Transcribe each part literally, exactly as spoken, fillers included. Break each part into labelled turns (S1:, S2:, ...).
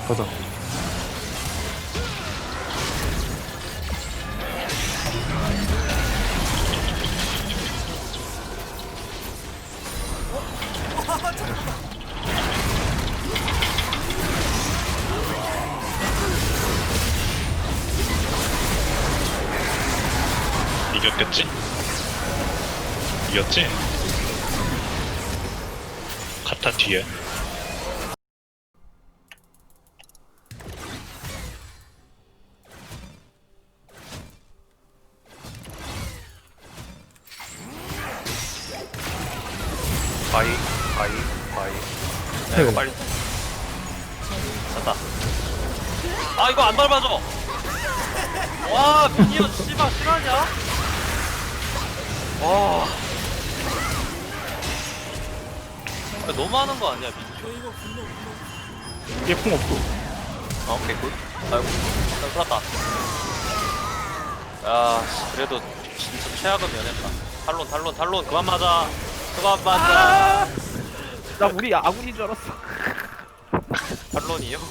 S1: 가자.
S2: 이겼겠지? 이겼지? 카타 뒤에
S3: 바이 바이 바이. 야, 이거 빨리 됐다. 아 이거 안 밟아줘. 와 미니언 씨발 실화냐? 와 야, 너무하는 거 아니야 미니언?
S1: 얘 풍 없어.
S3: 아 오케이 굿. 아이고 나 살았다. 야 씨, 그래도 진짜 최악은 면했다. 탈론 탈론 탈론 그만 맞아. 그만 맞아.
S4: 나 우리 아군인 줄 알았어.
S3: 탈론이요?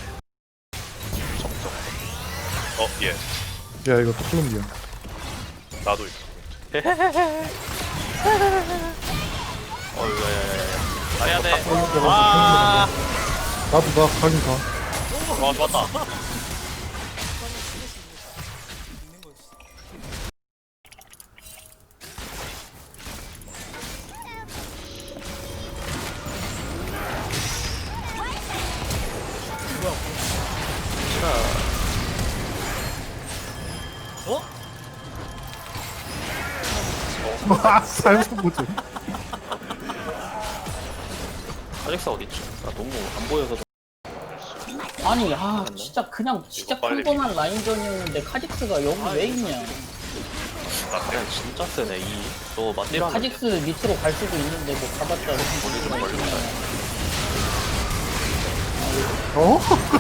S2: 정정 어 예
S1: 야 이거 콜롬비아.
S2: 나도 있어
S3: 어이 야야야야 가야 돼.
S1: 콜롬비아가
S3: 아,
S1: 나도 나 가긴 가.
S3: 와 좋았다.
S1: 아 살짝 보지.
S3: 아젝스 어딨지? 나 너무 안 보여서.
S5: 아니 아 진짜 그냥 진짜
S2: 이거 빨리
S5: 평범한 라인전이었는데 카직스가 여기 왜 있냐.
S3: 나 그냥 진짜 세네 이. 너 맞디라.
S5: 카직스 밑으로 갈 수도 있는데 뭐 가봤자
S3: 머리 좀 걸린다.
S1: 어?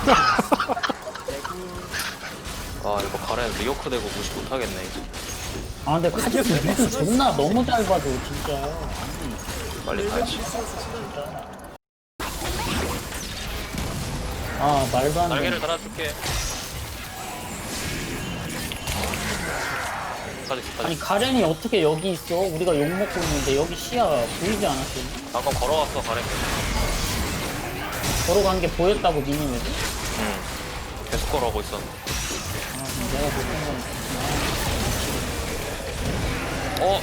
S3: 아 이거 가렌 리오크 되고 무시 못하겠네.
S5: 아 근데 카직스 밑을 존나 너무 잘 봐줘 진짜.
S3: 빨리 가야지.
S5: 아 말도 안 돼.
S3: 날개를 달아줄게. 아직
S5: 아니
S3: 아직
S5: 가렌이 어떻게 여기 있어? 우리가 욕 먹고 있는데 여기 시야 보이지 않았어?
S3: 방금 걸어왔어 가렌.
S5: 걸어간 게 보였다고 미니메디?
S3: 응. 계속 걸어오고 있었는데.
S5: 아 그럼 내가 못한 건.
S3: 어?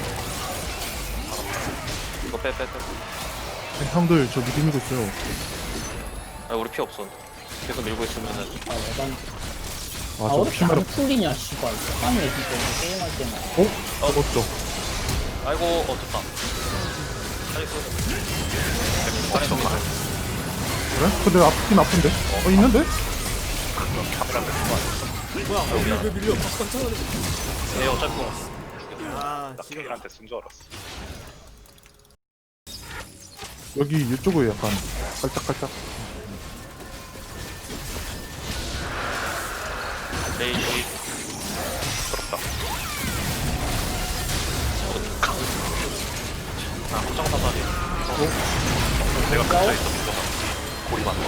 S3: 이거 빼, 빼, 빼.
S1: 형들 저 미드 밀고 있어요.
S3: 아, 우리 피 없어. 계속 밀고 있으면은.
S5: 아 내가
S1: 아
S5: 아,
S1: 저
S5: 왜 이렇게
S1: 피마라.
S5: 안 풀리냐 씨발. 아니 진짜 이거 게임할 때만.
S1: 어? 잡았죠.
S3: 아이고, 어, 됐다. 나이스. 가렌 저기 있어.
S1: 그래? 근데 아프긴 아픈데? 어 있는데?
S6: 뭐야 왜, 왜 밀려 깜짝 놀랐네.
S3: 네, 어차피 공.
S6: 아
S2: 나
S6: 지금
S2: 케일한테 쓴 줄 알았어
S1: 여기 이쪽에 약간 깔짝깔짝.
S3: 레이지. 부럽다. 아, 확정 사살이.
S2: 내가 가짜 있어 무조건 고리 맞는 거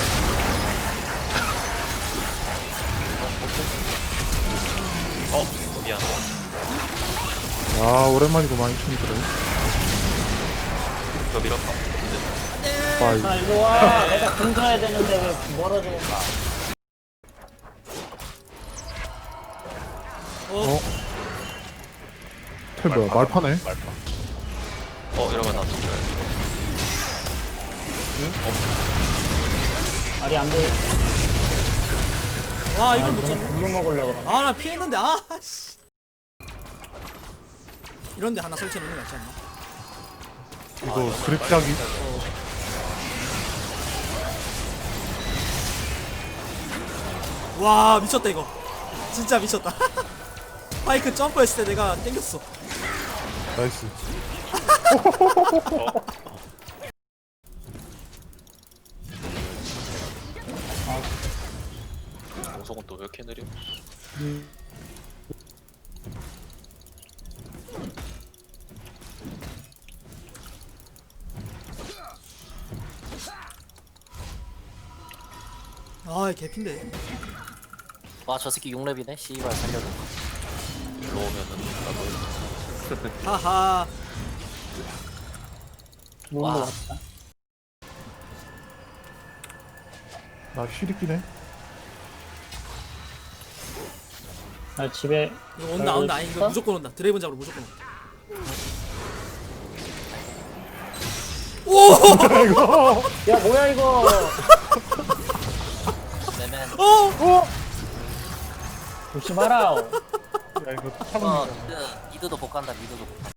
S3: 어, 미안.
S1: 아 오랜만이구만 이 친구들은.
S3: 이거 밀었다.
S1: 바이.
S5: 아 이리 와. 내가 근처야 되는데 왜 멀어져?
S1: 어? 태 뭐야 말파네?
S2: 말파
S3: 어, 이러면 나 진짜.
S5: 말이 안 돼.
S6: 와
S5: 아
S6: 이걸 못
S5: 이거
S6: 잡네.
S5: 물로 먹으려고 그러나?
S6: 아나 피했는데 아씨. 이런데 하나 설치해 놓는 게 낫지 않나?
S1: 이거 그립작이
S6: 와 미쳤다 이거. 진짜 미쳤다. 파이크 점프했을 때 내가 땡겼어.
S1: 나이스.
S3: 공속은 또 왜 이렇게 느려?
S6: 아 개핀데.
S5: 와 저 새끼 육 렙이네 씨발 살려줘.
S3: 일로 오면은 나도
S6: 하하.
S5: 와.
S1: 와. 나 시리끼네.
S5: 나 집에
S6: 이거 온다 온다. 아니 이거 무조건 온다. 드레이븐 잡으러 무조건 온다. 오!
S1: 이거.
S5: 야 뭐야 이거. 내맨
S6: 어!
S5: 조심하라.
S1: 야 이거
S5: 어
S1: 차분.
S5: 미드, 미드도 못 간다 미드도 못 간다.